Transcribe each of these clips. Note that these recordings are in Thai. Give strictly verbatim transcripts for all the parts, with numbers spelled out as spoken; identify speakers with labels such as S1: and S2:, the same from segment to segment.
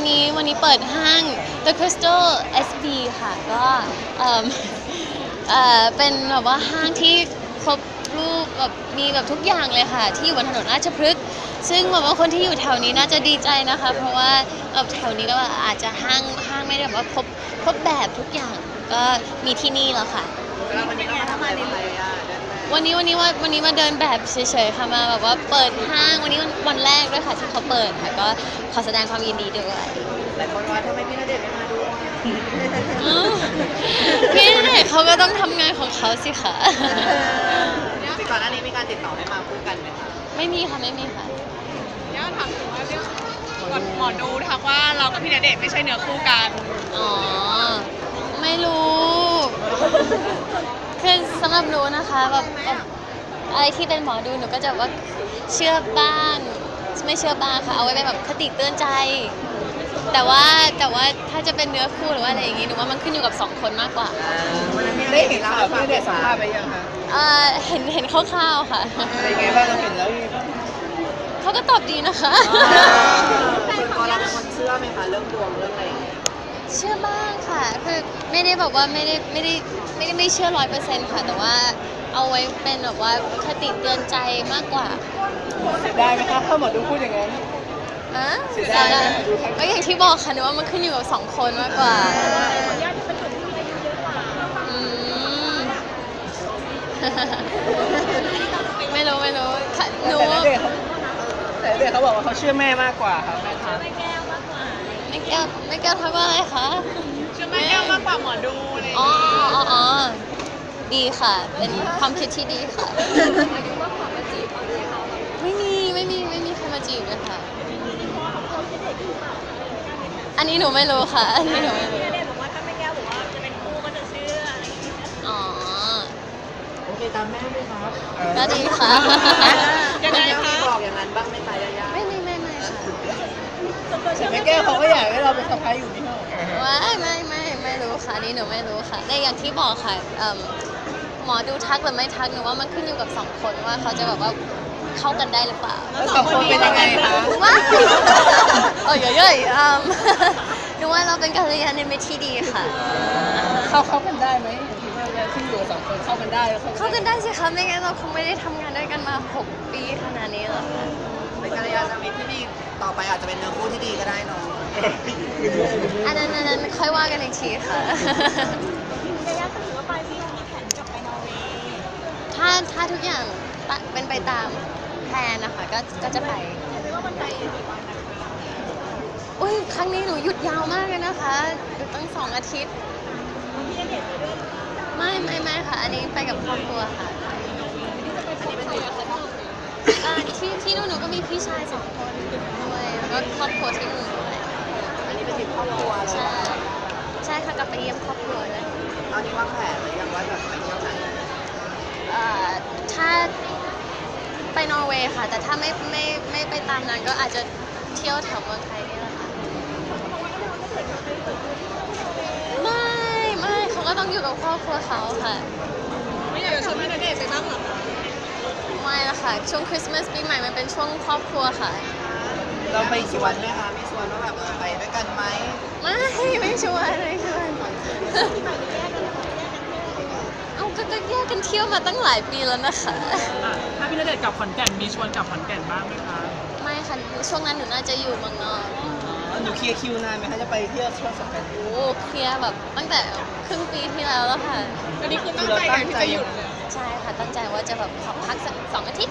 S1: นี้วันนี้เปิดห้าง The Crystal เอส บี ค่ะก็เอ่อเอ่อเป็นแบบว่าห้างที่ครบรูปแบบมีแบบทุกอย่างเลยค่ะที่อยู่บนถนนราชพฤกษ์ซึ่งแบบว่าคนที่อยู่แถวนี้น่าจะดีใจนะคะเพราะว่าแบบแถวนี้ก็อาจจะห้างห้างไม่ได้แบบว่าครบครบแบบทุกอย่างก็มีที่นี่แล้วค่ะวันนี้วันนี้วันนี้ว่าวันนี้มาเดินแบบเฉยๆค่ะมาแบบว่าเปิดห้างวันนี้วันแรกด้วยค่ะที่เขาเปิดค่ะก็ขอแสดงความยินดีด้วย
S2: หลายคนว่าทำไมพี่ณเดชน์ไม่มาด้วย
S1: พี่ณเดชน์เขาก็ต้องทำงานของเขาสิค่ะ
S2: จริงก่อนหน้านี้มีการติดต่อให้มาคู่กันไหมคะ
S1: ไม่มีค่ะไม่มีค่ะ
S3: ย่าถามถึงว่าเรื่องหมอดูทักว่าเรากับพี่ณเดชน์ไม่ใช่เนื้อคู่กัน
S1: อ๋อไม่รู้คือสำหรับหนูนะคะแบบอะไรที่เป็นหมอดูหนูก็จะว่าเชื่อบ้างไม่เชื่อบ้างค่ะเอาไว้เป็นแบบคติเตือนใจแต่ว่าแต่ว่าถ้าจะเป็นเนื้อคู่หรือว่าอะไรอย่างงี้หนูว่ามันขึ้นอยู่กับสองคนมากกว่า
S2: ได้เห็นข่าวพี่ณเดชน์สัมภาษณ์ไปยังคะ
S1: เอ่อเห็นเห็นคร่าวๆค่ะ
S2: เป็นไงบ้างเราเห็นแล้ว
S1: เขาก็ตอบดีนะคะ
S2: ส่วนตัวเราเป็นคนเชื่อไหมคะเรื่องดวงเรื่องอะไร
S1: เชื่อบ้างค่ะคือไม่ได้แบบว่าไม่ได้ไม่ได้ไม่ได้ไม่เชื่อร้อยเปอร์เซ็นต์ค่ะแต่ว่าเอาไว้เป็นแบบว่าคติเตือนใจมากกว่า
S2: เสียดายไหมคะถ้าหมอดูพูดอย่างนั้น
S1: อ่ะเสียดายก็อย่างที่บอกค่ะหนูว่ามันขึ้นอยู่กับสองคนมากกว่าไม่รู้ไม่รู้หนู
S2: แต่เด็กเขาบอกว่าเขาเชื่อแม่มากกว่าครับแม่ทัก
S1: ไม่แก้วมากกว่าไม่แก้วไม่แก้วทักว่าอะไรคะ
S3: เชื่อแม่แก้วมากกว่าหมอดูเลย
S1: อ๋ออ๋ออ๋อดีค่ะเป็นความคิดที่ดีค่ะไม่มีไม่มีไม่มีใครมาจีบเลยค่ะอันนี้หนูไม่รู้ค่ะอันนี้หนูไม่รู้
S3: พี่ณเดชน์บอกว่าถ้าแม่แก้วบอกว่าจะเป็นคู่ก็จะเชื่ออะไรอย่างเงี้ย
S1: อ๋อ
S2: โอเคตามแม่ไหมครับ
S1: ก็ดีค่ะ
S2: ยังไงคะบอกอย่างนั้นบ้างไหมคะย่า
S1: ไม่ไม่ไม่ไม่ค่ะ
S2: แต่แม่แก้วเขาก็อยากให้เราเป็นสะพ้ายอยู่ที่ห้อง
S1: ว่าไม่ไม่ไม่รู้ค่ะนี่หนูไม่รู้ค่ะแต่อย่างที่บอกค่ะหมอดูทักหรือไม่ทักหนูว่ามันขึ้นอยู่กับสองคนว่าเขาจะแบบว่าเข้ากันได้หรือเปล่า
S2: แล้วสองคนเป็นยังไงคะ
S1: ว้าโอ้ยเยอะๆหนูว่าเราเป็นกัลยาณมิตรที่ดีค่ะ
S2: เข้าเข้ากันได้ไหมที่อยู่สองคนเข้ากันได้
S1: เข้ากันได้สิคะไม่งั้นเราคงไม่ได้ทำงานด้วยกันมาหกปีขนาดนี้หรอกค่ะ
S2: เป็นกัลยาณมิตรที่ดีต่อไปอาจจะเป็นเนื้อคู่ที่ดีก็ได้เนาะ
S1: อันนั้นอันนั้นค่อยว่ากันอีกทีค่ะ
S3: ระยะถือว่าปลายปีมีแผนกลับไปนอร์เวย์
S1: ถ้าถ้าทุกอย่างเป็นไปตามแผนนะคะก็ก็จะไป
S3: แต่ว่ามันไปกี่วันนะ
S1: อุ้ยครั้งนี้หนูหยุดยาวมากเลยนะคะหยุดตั้งสองอาทิตย์
S3: พี่ณเดชน์ไปด้วย
S1: ไม่ไม่ไม่ค่ะอันนี้ไปกับครอบครัวค่ะ
S3: อันนี้เป็นตัวอย่าง
S1: ที่ที่นู่นหนูก็มีพี่ชายสองคนด้วยแล้วก็ครอบครัวที่นู่นด้วย
S2: อันนี้เป็นทริปครอบครัว
S1: ใช่ใช่ค่ะกลับไปเยี่ยมครอบครัวเลย
S2: ตอนนี้วางแผนหรือยังว่าแบบไปเที่ยวไหน
S1: ถ้าไปนอร์เวย์ค่ะแต่ถ้าไม่ไม่ไม่ไปตามนั้นก็อาจจะเที่ยวแถวเมืองไทยนี่แหละค่ะไม่ไม่เขาก็ต้องอยู่กับครอบครัวเขาค่ะ
S3: ไม่อยากจะชวนพี่ณเดชน์ไปบ้างหรอ
S1: ไม่ละค่ะช่วงคริสต์มาสปีใหม่มันเป็นช่วงครอบครัวค่ะ
S2: เราไปชวนไหมคะไม่ชวนว่าแบบไปด้วยกันไหม
S1: ไม่ไม่ชวนไม่ชวนเอาก็จะแยกกันเที่ยวมาตั้งหลายปีแล้วนะคะ
S3: ถ้าพี่ณเดชน์กลับขอนแก่นมีชวนกลับขอนแก่นบ้างไหมคะ
S1: ไม่ค่ะช่วงนั้นหนูน่าจะอยู่เมืองนอก
S2: หนูเคลียร์คิวนานไหมคะจะไปเที่ยวช่วงสงกรานต์
S1: โอ้เคลียร์แบบตั้งแต่ครึ่งปีที่แล้วแล้วค่ะ
S3: อันนี้คือตั้งใจกันที่จะหยุด
S1: ใช่ค่ะตั้งใจว่าจะแบบขอพักสักสองอาทิตย์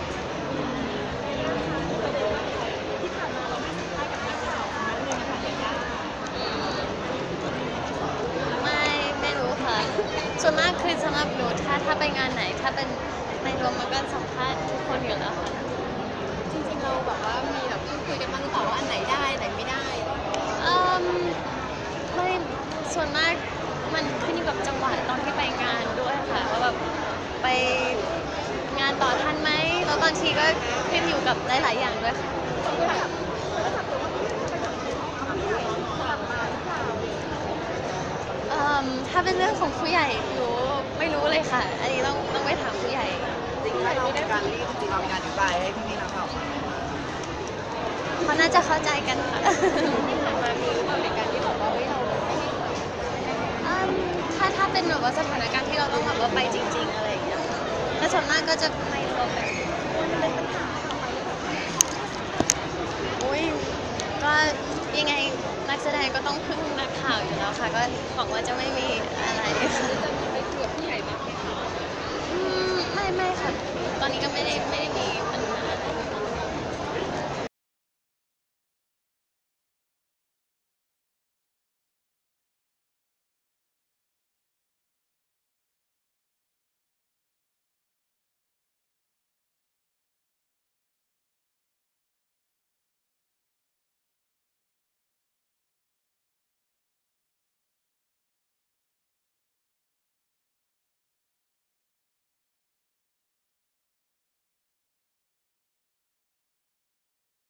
S1: ไม่ไม่รู้ค่ะส่วนมากคือสำหรับหนูถ้าถ้าไปงานไหนถ้าเป็นในรวมมันก็สัมภาษณ์ทุกคนอยู่แล้วค่ะ
S3: จริงๆเราแบบว่ามีแบบพูดคุยกันบ้างหรือเปล่าว่าอันไหนได้ไหนไม่ได้
S1: อืมไม่ส่วนมากมันขึ้นอยู่กับจังหวะตอนที่ไปงานด้วยค่ะว่าแบบไปงานต่อทันไหมแล้วบางทีก็ขึ้นอยู่กับหลายๆอย่างด้วยค่ะถ้าเป็นเรื่องของผู้ใหญ่หนูไม่รู้เลยค่ะอันนี้ต้องต้องไปถามผู้ใหญ่
S2: จริงๆเรามีการรีบจริงๆเรามีการอธิบายให้พี่ๆนักข่าวฟัง
S1: เขาน่าจะเข้าใจกันค่ะว่าไปจริง ๆอะไรอย่างเงี้ยแต่ส่วนมากก็จะไม่ตัวไปอุ้ยก็ยังไงนักแสดงก็ต้องพึ่งนักข่าวอยู่แล้วค่ะก็หวังว่าจะไม่มีอะไรค่ะ
S3: จะไปคุยกับผู้ใหญ่มากไหมคะ
S1: อืมไม่ไม่ค่ะ ตอนนี้ก็ไม่ได้ไม่ได้มีปัญหาอะไร